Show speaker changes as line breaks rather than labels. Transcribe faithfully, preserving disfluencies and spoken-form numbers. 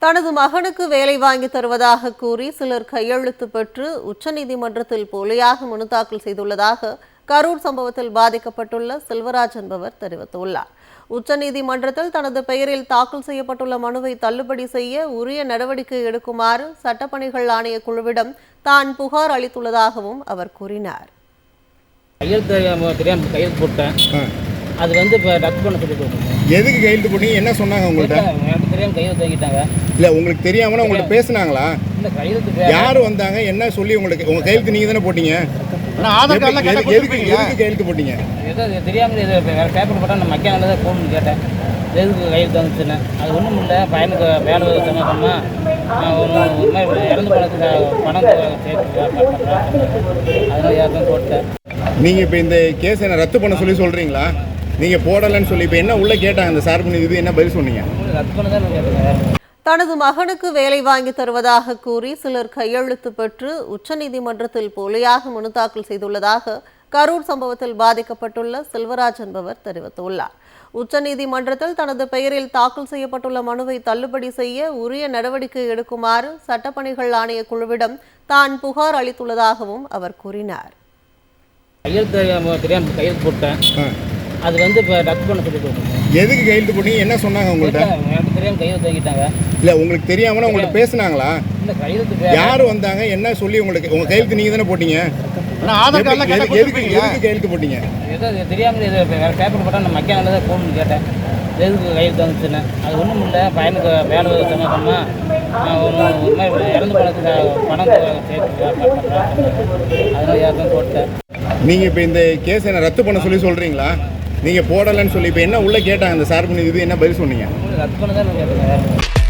தனது மகனுக்கு வேலை வாங்கி தருவதாக கூறி சிலர் கையெழுத்து பெற்று உச்சநீதிமன்றத்தில் போலியாக மனு தாக்கல் செய்துள்ளதாக கரூர் சம்பவத்தில் பாதிக்கப்பட்டுள்ள செல்வராஜ் என்பவர் தெரிவித்துள்ளார். உச்சநீதிமன்றத்தில் தனது பெயரில் தாக்கல் செய்யப்பட்டுள்ள மனுவை தள்ளுபடி செய்ய உரிய நடவடிக்கை எடுக்குமாறு சட்டப்பணிகள் ஆணைய குழுவிடம் தான் புகார் அளித்துள்ளதாகவும் அவர் கூறினார்.
அது வந்து இப்போ ரத்து பண்ண சொல்லி கொடுத்தாங்க.
எதுக்கு கையெழுத்து போட்டீங்க? என்ன சொன்னாங்க உங்கள்கிட்ட?
எனக்கு தெரியாமல் கையெழுத்து வாங்கிட்டாங்க.
இல்லை, உங்களுக்கு தெரியாமல் உங்கள்கிட்ட பேசுனாங்களா?
இல்லை, கையெழுத்து
யார் வந்தாங்க? என்ன சொல்லி உங்களுக்கு உங்கள் கையெழுத்து நீங்கள் தானே போட்டீங்க? எதுக்கு எதுக்கு கையெழுத்து போட்டீங்க?
ஏதோ தெரியாமல் இது வேறு பேப்பர் போட்டால் நான் மக்கியானது தான் போகணும்னு கேட்டேன். எதுக்கு கையெழுத்து வந்துச்சுன்னு அது ஒன்றும் இல்லை. பையனுக்கு வேலை சம்மந்தமாக ஒரு மாதிரி இறந்து பணத்துக்கு பணம் சேர்த்து அதனால் யாருக்கும் போட்டேன்.
நீங்கள் இப்போ இந்த கேஸ் என்ன ரத்து பண்ண சொல்லி சொல்கிறீங்களா? நீங்கள் போடலைன்னு சொல்லி இப்போ என்ன உள்ளே கேட்டாங்க அந்த சார்பு இது என்ன பதில் சொன்னீங்க?
ரத்து பண்ண தான் கேட்டேங்க.
தனது மகனுக்கு வேலை வாங்கி தருவதாக கூறி சிலர் கையெழுத்து பெற்று உச்சநீதிமன்றத்தில் போலியாக மனு தாக்கல் செய்துள்ளதாக கரூர் சம்பவத்தில் பாதிக்கப்பட்டுள்ள செல்வராஜ் என்பவர் தெரிவித்துள்ளார். உச்சநீதிமன்றத்தில் தனது பெயரில் தாக்கல் செய்யப்பட்டுள்ள மனுவை தள்ளுபடி செய்ய உரிய நடவடிக்கை எடுக்குமாறு சட்டப்பணிகள் ஆணைய குழுவிடம் தான் புகார் அளித்துள்ளதாகவும் அவர் கூறினார்.
கையெழுத்து தெரியாமல் கையெழுத்து போட்டேன். அது வந்து இப்போ ரத்து பண்ண சொல்லி கொடுத்தாங்க.
எதுக்கு கையெழுத்து போட்டீங்க? என்ன சொன்னாங்க உங்கள்கிட்ட?
எனக்கு தெரியாமல் கையெழுத்து வாங்கிட்டாங்க.
இல்லை, உங்களுக்கு தெரியாமல் உங்கள்கிட்ட பேசுனாங்களா?
இல்லை, கையெழுத்து
யார் வந்தாங்க? என்ன சொல்லி உங்களுக்கு உங்கள் கையெழுத்து நீங்கள் தானே போட்டீங்க? எதுக்கு எதுக்கு கையெழுத்து போட்டீங்க?
ஏதோ தெரியாமல் இது வேறு பேப்பர் போட்டால் நான் மக்கியானது தான் போகணும்னு கேட்டேன். எதுக்கு கையெழுத்து வந்துச்சுன்னு அது ஒன்றும் இல்லை. பையனுக்கு வேலை சம்மந்தமாக ஒரு மாதிரி இறந்து பணத்துக்கு பணம் சேர்த்து அதனால் யாருக்கும் போட்டேன்.
நீங்கள் இப்போ இந்த கேஸ் என்ன ரத்து பண்ண சொல்லி சொல்கிறீங்களா? நீங்கள் போடலைன்னு சொல்லி இப்போ என்ன உள்ளே கேட்டாங்க அந்த சார்பு இது என்ன பதில் சொன்னீங்க?
ரத்து பண்ண தான் கேட்டேங்க.